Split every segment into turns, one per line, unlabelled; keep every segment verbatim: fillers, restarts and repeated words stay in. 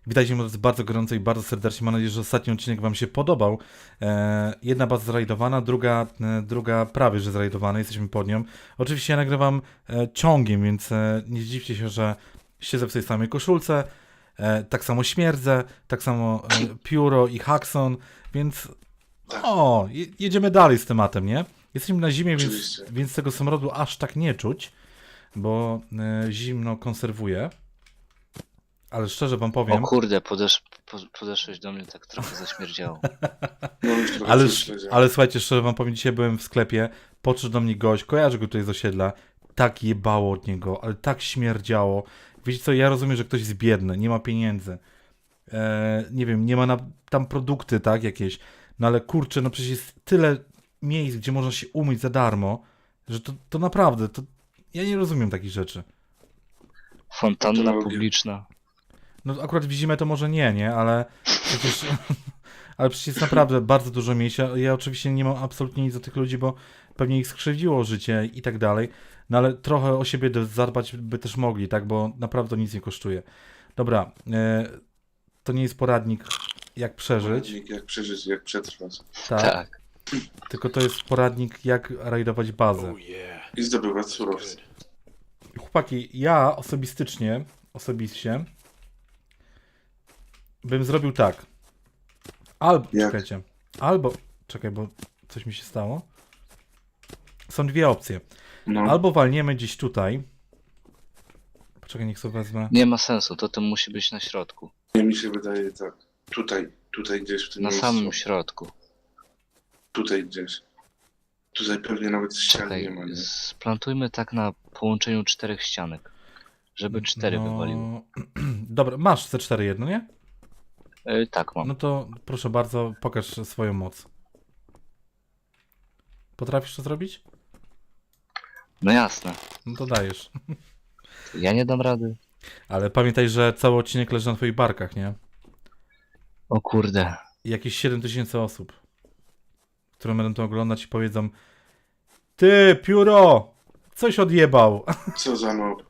Witajcie moi drodzy bardzo gorąco i bardzo serdecznie. Mam nadzieję, że ostatni odcinek Wam się podobał. E, jedna baza zrajdowana, druga, e, druga prawie że zrajdowana. Jesteśmy pod nią. Oczywiście ja nagrywam e, ciągiem, więc e, nie zdziwcie się, że siedzę w tej samej koszulce. E, tak samo śmierdzę, tak samo e, Pióro i Haxon, więc o, je, jedziemy dalej z tematem, nie? Jesteśmy na zimie, więc, więc tego smrodu aż tak nie czuć, bo e, zimno konserwuje. Ale szczerze wam powiem...
O kurde, podesz, po, podeszłeś do mnie, tak trochę zaśmierdziało.
No,
ale, ale słuchajcie, szczerze wam powiem, dzisiaj byłem w sklepie, podszedł do mnie gość, kojarzę go tutaj z osiedla, tak jebało od niego, ale tak śmierdziało. Wiecie co, ja rozumiem, że ktoś jest biedny, nie ma pieniędzy, e, nie wiem, nie ma na, tam produkty, tak, jakieś, no ale kurczę, no przecież jest tyle miejsc, gdzie można się umyć za darmo, że to, to naprawdę, to ja nie rozumiem takich rzeczy.
Fontanna publiczna.
No akurat w zimę to może nie, nie, ale przecież, ale przecież jest naprawdę bardzo dużo miejsc. Ja, ja oczywiście nie mam absolutnie nic do tych ludzi, bo pewnie ich skrzywdziło życie i tak dalej, no ale trochę o siebie zadbać by też mogli, tak, bo naprawdę nic nie kosztuje. Dobra, e, to nie jest poradnik jak przeżyć.
Poradnik jak przeżyć, jak przetrwać.
Tak,
Tak.
tylko to jest poradnik jak rajdować bazę.
I zdobywać surowce.
Chłopaki, ja osobistycznie, osobiście bym zrobił tak. Albo,
Jak?
czekajcie, albo, czekaj, bo coś mi się stało. Są dwie opcje.
No.
Albo walniemy gdzieś tutaj. Poczekaj, niech sobie wezmę.
Nie ma sensu, to to musi być na środku.
Nie, mi się wydaje tak. Tutaj, tutaj gdzieś w tym
Na
miejscu.
samym środku.
Tutaj gdzieś. Tutaj pewnie nawet ścian
Czekaj,
nie ma. Nie?
splantujmy tak na połączeniu czterech ścianek. Żeby cztery
No,
wywaliło.
dobra, masz C cztery jedno, nie?
Yy, tak mam.
No to proszę bardzo, pokaż swoją moc. Potrafisz to zrobić?
No jasne.
No to dajesz.
Ja nie dam rady.
Ale pamiętaj, że cały odcinek leży na twoich barkach, nie?
O kurde.
I jakieś siedem tysięcy osób, które będą to oglądać i powiedzą: ty, Pióro, coś odjebał.
Co za nob.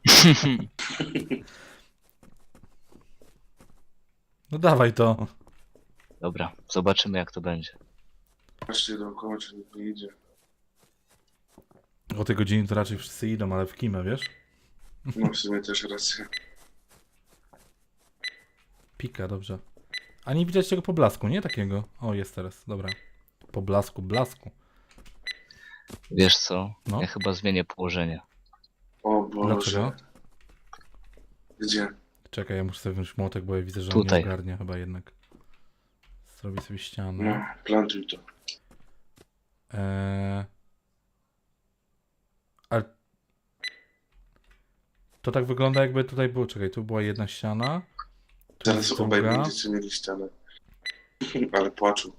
No dawaj to.
Dobra, zobaczymy jak to będzie.
Patrzcie dookoła, czy nikt nie idzie.
O tej godzinie to raczej wszyscy idą, ale w kimę, wiesz?
No w sumie też racja.
Pika, dobrze. A nie widać tego poblasku, nie? Takiego. O, jest teraz, dobra. Poblasku, blasku.
Wiesz co?
No.
Ja chyba zmienię położenie.
O Boże.
Dlaczego?
Gdzie?
Czekaj, ja muszę sobie wziąć młotek, bo ja widzę, że on
Tutaj.
nie ogarnia chyba jednak. Zrobi sobie ścianę.
No, plantuj to.
Eee... Ale... To tak wygląda, jakby tutaj było. Czekaj, tu była jedna ściana. Tu
Zaraz
jest
obaj
druga.
będziecie mieli ścianę. Ale płaczu.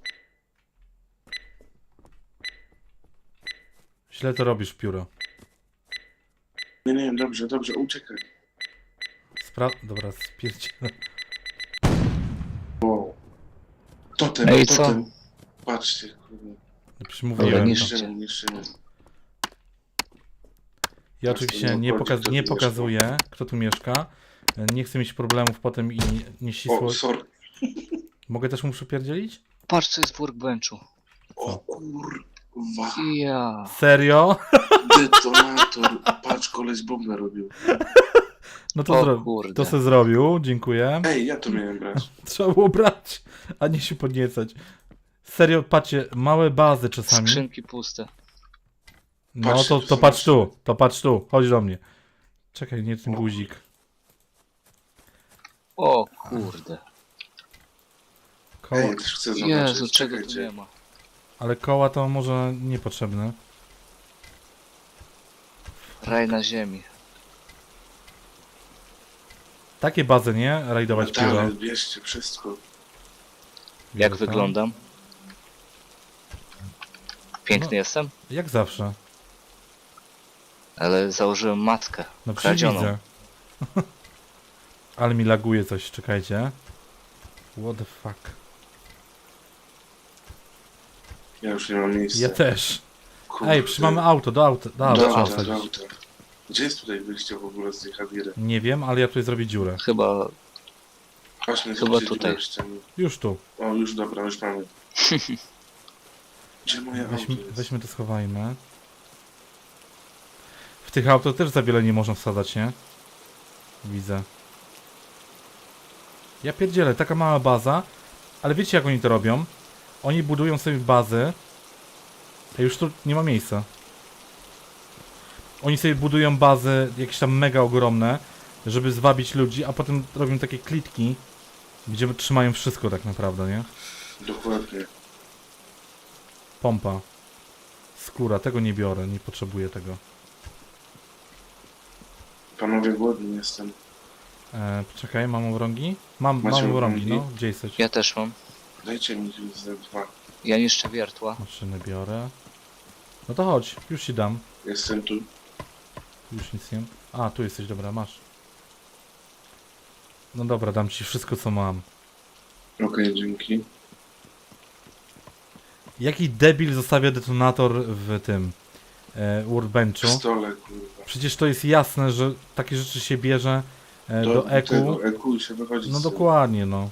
Źle to robisz, Pióro.
Nie, nie, dobrze, dobrze, uciekaj.
Spra... Dobra, spierdzielę.
O. Totem,
Ej, co?
totem. Patrzcie, kurde.
Przecież
Dobra,
mówiłem.
niż-
to.
Niszczymy, niszczymy.
Ja oczywiście nie,
obchodzi,
pokaz...
kto tu
nie
mieszka.
pokazuję, kto tu mieszka. Nie chcę mieć problemów potem i nieścisło...
O, sorry.
Mogę też mu przypierdzielić?
Patrz co jest w workbenchu.
O kurwa.
Ja.
Serio?
Detonator. Patrz, koleś bombę robił.
No to,
O
zro...
kurde.
to se zrobił, dziękuję.
Ej, ja to miałem brać.
Trzeba było brać, a nie się podniecać. Serio, patrzcie, małe bazy czasami.
Skrzynki puste.
No
Patrzcie,
to,
tu
to
są
patrz
nasze.
tu, to patrz tu, chodź do mnie. Czekaj, nie ten guzik.
O kurde.
Koła...
Ej, ja też chcę zobaczyć.
Jezu, czego tu
Czekajcie.
nie ma.
Ale koła to może niepotrzebne.
Raj na ziemi.
Takie bazy, nie? Rajdować pióro.
Ale bierzcie wszystko.
Jak
Dobra.
wyglądam? Piękny
No.
jestem?
Jak zawsze.
Ale założyłem matkę.
No przecież
kradzioną.
widzę. Ale mi laguje coś, czekajcie. What the fuck.
Ja już nie mam miejsca.
Ja też.
Kurde.
Ej, przymamy auto, do auta. Do auta,
Do
trzeba
auta, do
wsadzić.
auta. Gdzie jest tutaj wyjście w ogóle z tej Hadiry?
Nie wiem, ale ja tutaj zrobię dziurę.
Chyba...
Właśnie,
Chyba
zobaczycie
tutaj.
w ścianie.
Już tu.
O, już dobra, już mamy. Gdzie moje auto
Weźmy,
jest?
weźmy to, schowajmy. W tych auto też za wiele nie można wsadzać, nie? Widzę. Ja pierdzielę, taka mała baza. Ale wiecie jak oni to robią? Oni budują sobie bazy. A już tu nie ma miejsca. Oni sobie budują bazy jakieś tam mega ogromne, żeby zwabić ludzi, a potem robią takie klitki, gdzie trzymają wszystko tak naprawdę, nie?
Dokładnie.
Pompa. Skóra, tego nie biorę, nie potrzebuję tego.
Panowie, głodny jestem.
E, poczekaj, mam obrągi? Mam,
Macie
mam obrągi,
obrągi?
no. Gdzie jesteś?
Ja też mam.
Dajcie mi tu ze dwa.
Ja niszczę wiertła.
Maszyny biorę. No to chodź, już ci dam.
Jestem tu.
Już nic nie... A, tu jesteś, dobra, masz. No dobra, dam ci wszystko co mam.
Okej, dzięki.
Jaki debil zostawia detonator w tym... E,
W
workbenchu?
stole, kurwa.
Przecież to jest jasne, że takie rzeczy się bierze e, do, eku.
tego eku i się wychodzi
No
z tym.
dokładnie, no.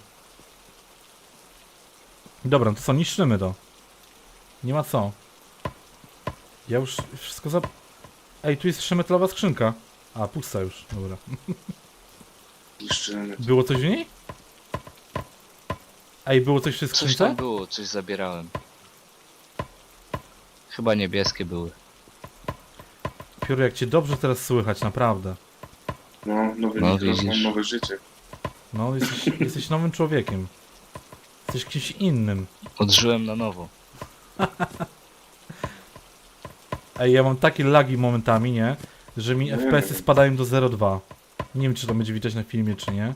Dobra, no to co, niszczymy to. Nie ma co. Ja już wszystko za... Ej, tu jest jeszcze metalowa skrzynka. A, pusta już, dobra.
Niszczymy.
Było coś w niej? Ej, było coś w tej
Coś tam
skrzynce?
było, coś zabierałem. Chyba niebieskie były.
Pióro, jak cię dobrze teraz słychać, naprawdę.
No, nowy
No,
mikrofon,
widzisz.
nowe życie.
No, jesteś, jesteś nowym człowiekiem. Jesteś kimś innym.
Odżyłem na nowo.
Ej, ja mam takie lagi momentami, nie? Że mi
Nie
F P S-y
wiem.
spadają do zero przecinek dwa. Nie wiem, czy to będzie widać na filmie, czy nie.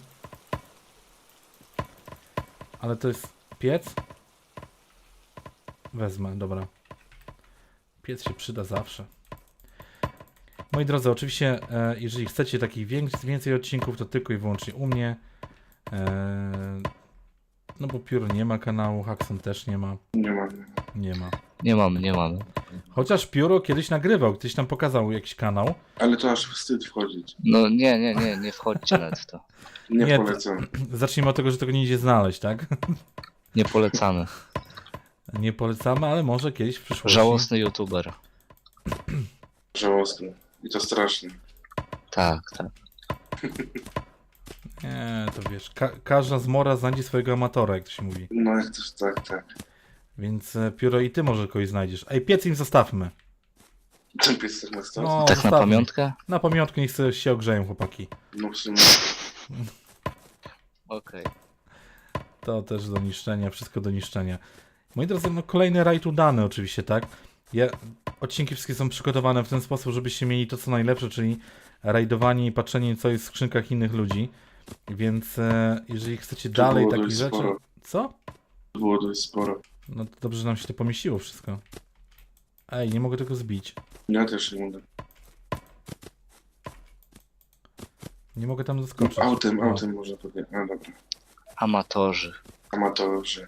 Ale to jest piec? Wezmę, dobra. Piec się przyda zawsze. Moi drodzy, oczywiście, e, jeżeli chcecie takich więcej, więcej odcinków, to tylko i wyłącznie u mnie. E, no bo Pióro nie ma kanału, Haxon też nie ma.
Nie ma.
Nie ma.
Nie mamy, nie mamy.
Chociaż Pióro kiedyś nagrywał, kiedyś tam pokazał jakiś kanał.
Ale to aż wstyd wchodzić.
No nie, nie, nie, nie wchodźcie nawet w to.
Nie,
Nie, to-
polecam.
Zacznijmy od tego, że tego nie idzie znaleźć, tak?
Nie polecamy.
Nie polecamy, ale może kiedyś w przyszłości.
Żałosny youtuber.
Żałosne. I to straszne.
Tak, tak.
Nie, to wiesz, ka każda zmora znajdzie swojego amatora, jak to się mówi.
No jak też tak, tak.
Więc e, Pióro i ty może kogoś znajdziesz. Ej, piec im zostawmy.
Ten pies tak na start?
No,
No,
Tak na
zostawmy.
pamiątkę?
Na pamiątkę niech sobie się ogrzeją, chłopaki.
no w sumie.
Okej.
To też do niszczenia, wszystko do niszczenia. Moi drodzy, no kolejny rajd udany oczywiście, tak? Ja, odcinki wszystkie są przygotowane w ten sposób, żebyście mieli to co najlepsze, czyli rajdowanie i patrzenie co jest w skrzynkach innych ludzi. Więc e, jeżeli chcecie
Tu
dalej
było
takich
dość
rzeczy...
sporo.
Co?
Było dość sporo.
No to dobrze, że nam się to pomieściło wszystko. Ej, nie mogę tego zbić.
Ja też nie mogę.
Nie mogę tam zaskoczyć.
Autem,
O,
autem można powiedzieć. A dobra.
Amatorzy.
Amatorzy.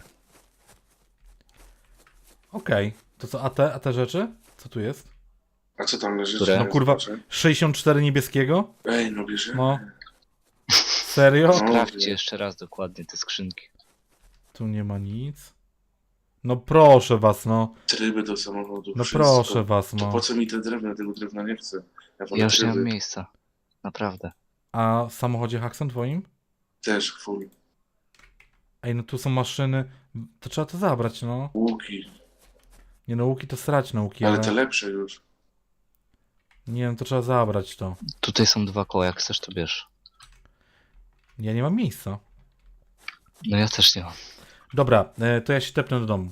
Okej. To co, a te, a te rzeczy? Co tu jest?
A co tam leży?
Które?
Czy
No
nie
kurwa,
zobaczę?
sześćdziesiąt cztery niebieskiego?
Ej, no bierze.
No. Serio?
No.
Sprawdźcie jeszcze raz dokładnie te skrzynki.
Tu nie ma nic. No proszę was, no.
Tryby do samochodu.
No
wszystko.
proszę was,
To
no.
po co mi te drewno? Tego drewna nie chcę. Ja wolę
Ja już nie mam
tryby.
miejsca. Naprawdę.
A w samochodzie Haxon twoim?
Też full.
Ej, no tu są maszyny. To trzeba to zabrać, no.
Łuki.
Nie no, łuki to srać nauki,
Ale
ale...
te lepsze już.
Nie no, to trzeba zabrać to.
Tutaj są dwa koła, jak chcesz to bierz.
Ja nie mam miejsca.
No ja też nie mam.
Dobra, e, to ja się tepnę do domu.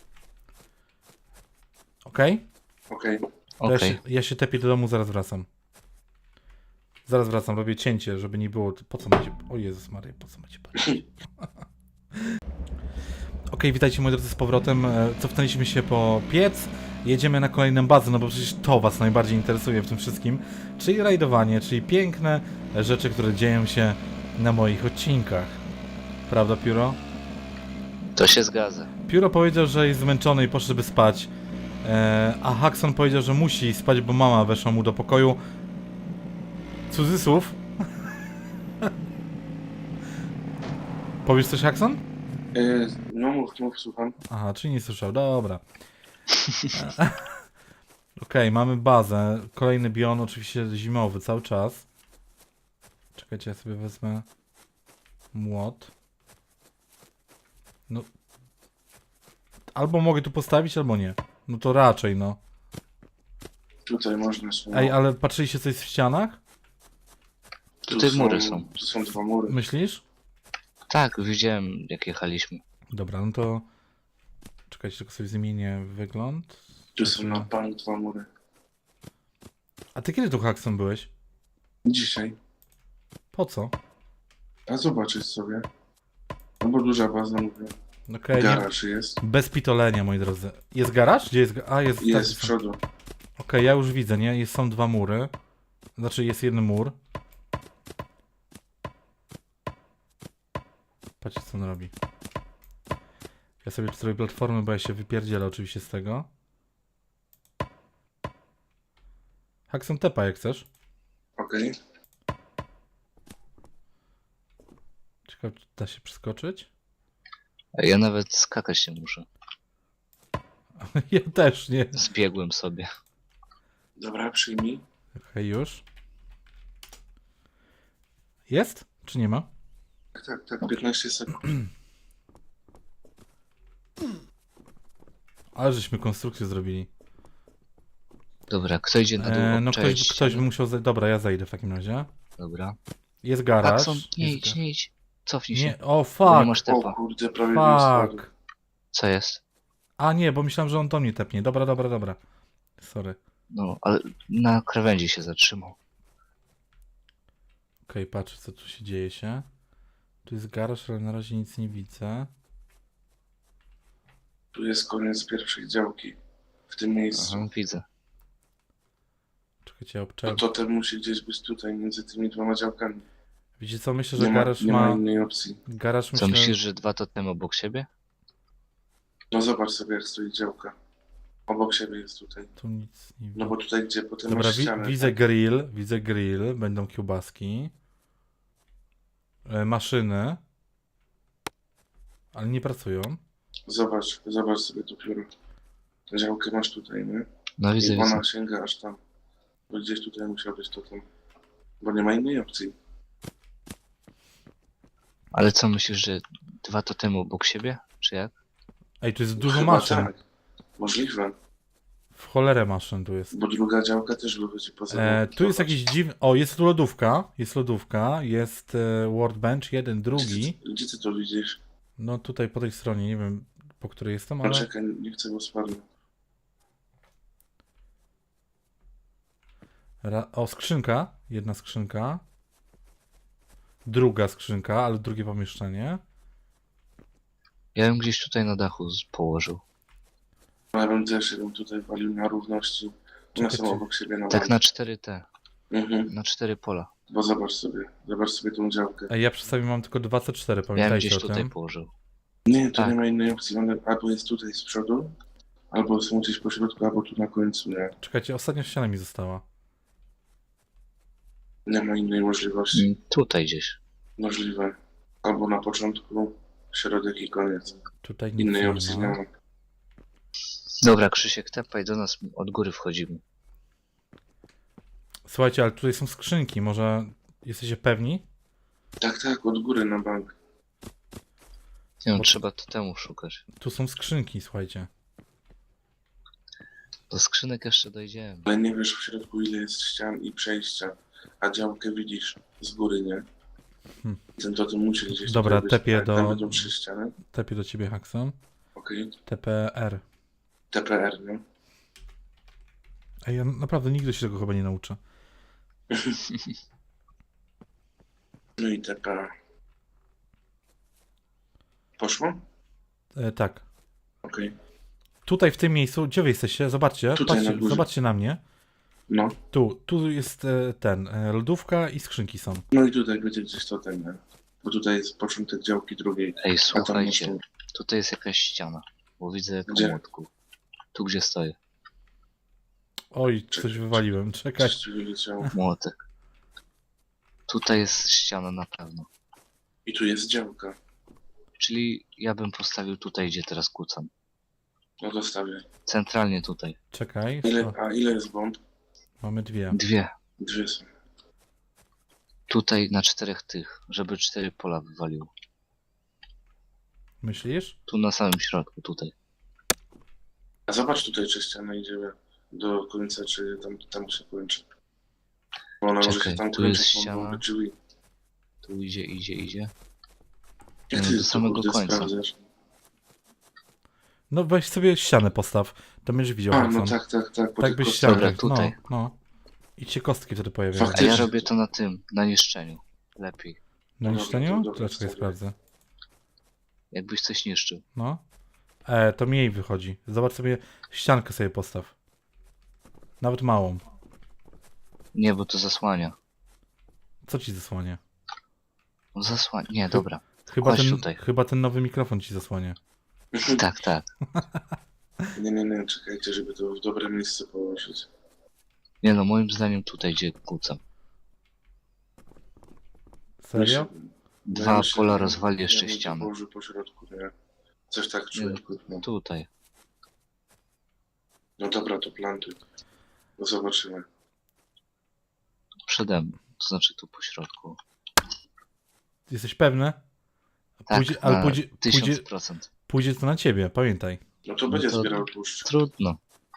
Okej?
Okej.
To
Okej.
Ja, się, ja się tepię do domu, zaraz wracam. Zaraz wracam, robię cięcie, żeby nie było... Po co macie... O Jezus Maria, po co macie patrzeć? Okej, witajcie moi drodzy z powrotem. E, Cofnęliśmy się po piec. Jedziemy na kolejną bazę, no bo przecież to was najbardziej interesuje w tym wszystkim. Czyli rajdowanie, czyli piękne rzeczy, które dzieją się na moich odcinkach. Prawda, Pióro?
To się zgadza.
Pióro powiedział, że jest zmęczony i poszedłby spać. E, a Haxon powiedział, że musi spać, bo mama weszła mu do pokoju. Cudzysłów. Powiesz coś, Haxon?
E, no mów, mów, słucham.
Aha, czyli nie słyszał, dobra. E, Okej, mamy bazę. Kolejny bion, oczywiście zimowy, cały czas. Czekajcie, ja sobie wezmę młot. No. Albo mogę tu postawić, albo nie. No to raczej, no.
Tutaj można się...
Ej, ale patrzyliście coś w ścianach?
tu
Tutaj mury są.
Tu są dwa mury.
Myślisz?
Tak, widziałem jak jechaliśmy.
Dobra, no to... Czekajcie, tylko sobie zmienię wygląd.
Tu są na bank dwa mury.
A ty kiedy tu, Haxon, byłeś?
Dzisiaj.
Po co?
A zobaczyć sobie. No bo duża baza, mówię.
Okej, nie...
Garaż jest.
Bez pitolenia, moi drodzy. Jest garaż? Gdzie jest... ga- A, jest...
Jest z
tak,
przodu.
Okej, ja już widzę, nie? Jest, są dwa mury. Znaczy, jest jeden mur. Patrzcie, co on robi. Ja sobie zrobię platformę, bo ja się wypierdzielę oczywiście z tego. Haxon, tepa jak chcesz.
Okej.
Ciekawe, czy da się przeskoczyć?
Ja nawet skakać nie muszę.
Ja też, nie?
Zbiegłem sobie.
Dobra, przyjmij.
Okej, już. Jest? Czy nie ma?
Tak, tak, tak. piętnaście sekund.
Ale żeśmy konstrukcję zrobili.
Dobra, kto idzie na dół?
E, no
obczaić
ktoś, ktoś by
ściany?
musiał... Zaj- Dobra, ja zejdę w takim razie.
Dobra.
Jest garaż.
Paxon, nie
jest
idź,
ga-
nie idź. Cofnij się.
Nie, o
Bo
fuck!
nie masz
O
tepa.
kurde, prawie bym spadł.
Fuck!
Co jest?
A nie, bo myślałem, że on do mnie tepnie. Dobra, dobra, dobra. Sorry.
No, ale na krawędzi się zatrzymał.
Okej, patrzę, co tu się dzieje się. Tu jest garaż, ale na razie nic nie widzę.
Tu jest koniec pierwszej działki. W tym miejscu.
Aha, widzę.
Czekajcie, ja
No
obczałem.
to ten musi gdzieś być tutaj, między tymi dwoma działkami.
Wiecie co, myślę, że
Nie ma,
garaż
nie ma
ma...
innej opcji.
Garaż
Co
myślę...
myślisz, że dwa totemy obok siebie?
No zobacz sobie, jak stoi działka. Obok siebie jest tutaj.
Tu nic nie
No
widzę.
bo tutaj, gdzie potem
Dobra,
masz
wi
ścianę.
widzę
tak?
grill, widzę grill, będą kiełbaski. E, maszyny. Ale nie pracują.
Zobacz, zobacz sobie tu pióro. Działkę masz tutaj, nie?
No widzę,
I
widzę.
ona sięga aż tam. Bo gdzieś tutaj musiał być to tam. Bo nie ma innej opcji.
Ale co myślisz, że dwa totemy obok siebie? Czy jak?
Ej, tu jest dużo
Chyba
maszyn.
tak. Możliwe.
W cholerę maszyn tu jest.
Bo druga działka też wychodzi poza.
E, tu jest jakiś dziwny... O, jest tu lodówka. Jest lodówka. Jest e, workbench, jeden, drugi.
Gdzie ty, gdzie ty to widzisz?
No tutaj po tej stronie, nie wiem po której jestem,
No
ale...
czekaj, nie chcę go spadł.
Ra... O, skrzynka. Jedna skrzynka. Druga skrzynka, ale drugie pomieszczenie.
Ja bym gdzieś tutaj na dachu z- położył.
No, ja bym też jeden tutaj walił na równości. One
Czekaj,
są
czy-
obok siebie na
Tak
bank.
na cztery T.
Mhm.
Na cztery pola.
Bo zobacz sobie, zobacz sobie tą działkę.
Ej, ja przy sobie mam tylko dwa C cztery,
Ja bym
pamiętajcie
gdzieś
o
tutaj
tym.
położył.
Nie, to
Tak.
nie ma innej opcji. One albo jest tutaj z przodu, albo są gdzieś po środku, albo tu na końcu, nie?
Czekajcie, ostatnia ściana mi została.
Nie ma innej możliwości.
Mm, Tutaj gdzieś.
Możliwe. Albo na początku, środek i koniec.
Tutaj nic
Innej
nie
opcji nie
ma.
ma.
Dobra, Krzysiek, tepaj do nas, od góry wchodzimy.
Słuchajcie, ale tutaj są skrzynki, może jesteście pewni?
Tak, tak, od góry na bank.
Nie no,
Bo-
trzeba totemu szukać.
Tu są skrzynki, słuchajcie.
Do skrzynek jeszcze dojdziemy.
Ale nie wiesz w środku ile jest ścian i przejścia. A działkę widzisz z góry, nie?
Hmm.
Ten to musi gdzieś
Dobra,
tutaj być.
tepię
Tak,
do-
tam będą trzy ściany.
Tepię do ciebie, Haxon.
Okej.
T P R.
T P R, nie?
Ej, ja naprawdę nigdy się tego chyba nie nauczę.
No i T P R. Poszło?
E, tak.
Okej.
Tutaj w tym miejscu, gdzie wy jesteście? Zobaczcie,
Tutaj na
patrzcie,
górze.
zobaczcie na mnie.
No.
Tu, tu jest e, ten, e, lodówka i skrzynki są.
No i tutaj będzie gdzieś to ten, nie? Bo tutaj jest początek działki drugiej.
Ej,
A tam
słuchajcie,
jest-
tutaj jest jakaś ściana. Bo widzę po
Gdzie?
młotku. Tu gdzie stoję.
Oj, coś
Czekaj,
wywaliłem, czekaj.
Coś ci wyleciało.
Młotek. Tutaj jest ściana na pewno.
I tu jest działka.
Czyli ja bym postawił tutaj, gdzie teraz kucam.
No to stawię.
Centralnie tutaj.
Czekaj.
Ile,
o,
a ile jest bomb?
Mamy dwie.
Dwie.
Dwie są.
Tutaj na czterech tych, żeby cztery pola wywalił.
Myślisz?
Tu na samym środku, tutaj.
A zobacz tutaj, czy ściana idzie do końca, czy tam, tam się kończy. Bo ona może
Czekaj,
się tam
tu jest
kończyć,
ściana.
mogą być drzwi.
Tu idzie, idzie, idzie.
Jak
No,
ty
do
to,
samego
kurde,
końca.
sprawdzasz?
No weź sobie ścianę postaw. To będziesz widział,
A,
Hudson.
no tak, tak, tak. po
Tak
tych
byś
kostkach.
ścianę.
Dobra, tutaj.
No, no. I ci kostki wtedy pojawiają.
A
Faktycznie.
ja robię to na tym, na niszczeniu. Lepiej.
Na
Dobra,
niszczeniu?
to dobra,
To czekaj,
wstawię.
sprawdzę.
Jakbyś coś niszczył.
No. E, to mniej wychodzi. Zobacz sobie, ściankę sobie postaw. Nawet małą.
Nie, bo to zasłania.
Co ci zasłania?
No zasłania. Nie, dobra.
Chyba
Chodź
ten,
tutaj.
chyba ten nowy mikrofon ci zasłania.
Tak, tak.
Nie, nie, nie, czekajcie, żeby to w dobre miejsce położyć.
Nie no, moim zdaniem tutaj, gdzie kucam.
Serio?
Dwa
myślę,
pola
że-
rozwali
ja
jeszcze
bym to
ścianę.
położył po środku, nie? Coś tak czuję. No.
Tutaj.
no dobra, to plantuj. No zobaczymy.
Przede mną. To znaczy tu po środku.
Jesteś pewny?
Tak,
Pójdzie, ale
na
pójdzie, pójdzie,
tysiąc procent.
pójdzie to na ciebie, pamiętaj.
No to będzie
to-
zbierał tłuszcz.
Trudno.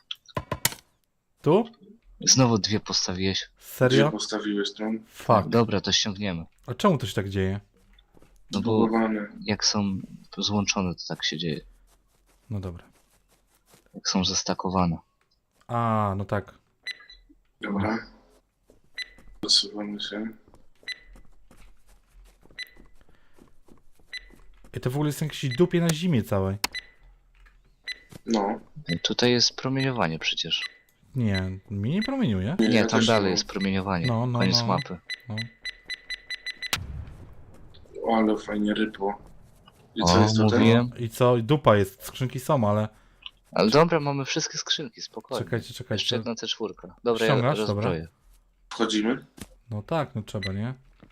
Tu?
Znowu dwie postawiłeś.
Gdzie
Serio?
postawiłeś tam?
Fuck.
Dobra, to ściągniemy.
A czemu to się tak dzieje?
No bo
Zbugowane.
jak są złączone, to tak się dzieje.
No dobra.
Jak są zestakowane.
A, no tak.
Dobra. Odsuwamy się.
I to w ogóle jest jakiś dupie na zimie całej.
No.
Tutaj jest promieniowanie przecież.
Nie, mi nie promieniuje.
Nie,
ja
tam
też
dalej
mam.
jest promieniowanie.
No, no,
Koniec
no.
mapy.
No.
O, ale fajnie rypło. I co
O,
jest tutaj?
mówiłem.
I co? Dupa jest, skrzynki są, ale...
Ale dobra, mamy wszystkie skrzynki, spokojnie.
Czekajcie,
Jeszcze
czekajcie.
jedna C cztery. Dobra, ja
Ściągasz?
rozbroję.
Wchodzimy?
No tak, no trzeba, nie?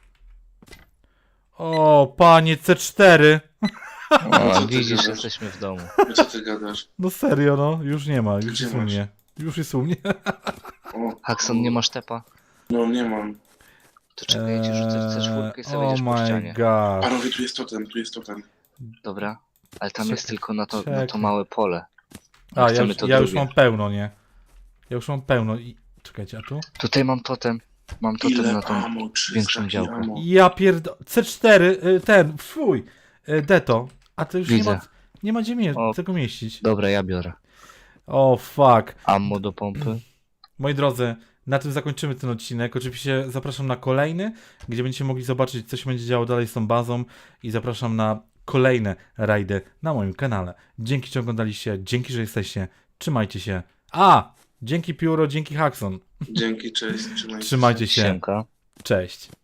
O, panie C cztery!
O,
co ty
widzisz,
gadasz?
jesteśmy w domu.
No co ty gadasz?
No serio, no. Już nie ma, już
Gdzie
jest u
masz?
mnie. Już jest u mnie.
O,
Hakson, nie masz tepa?
No nie mam.
To czekajcie, rzucę C cztery i sobie
oh
wejdziesz po
my
ścianie.
god.
Panowie, tu jest totem, tu jest totem.
Dobra, ale tam
Czekaj,
jest tylko na to, na
czekaj.
to małe pole.
A, ja,
Chcemy
już-
to
ja już
drugie.
mam pełno, nie? Ja już mam pełno i... Czekajcie, a tu?
Tutaj mam totem. Mam totem
Ile
na tą
amo? trzysta
większą działkę.
amo.
Ja pierdo... C cztery, y, ten, fuj! y, Deto. A to już nie
Widzę.
ma, nie ma gdzie mie
O.
tego mieścić.
Dobra, ja biorę.
O, fuck.
Ammo do pompy.
Moi drodzy, na tym zakończymy ten odcinek. Oczywiście zapraszam na kolejny, gdzie będziecie mogli zobaczyć, co się będzie działo dalej z tą bazą i zapraszam na kolejne rajdy na moim kanale. Dzięki, że oglądaliście, dzięki, że jesteście. Trzymajcie się. A! Dzięki Pióro, dzięki Hakson.
Dzięki, cześć, trzymajcie się.
Trzymajcie się.
Siemka.
Cześć.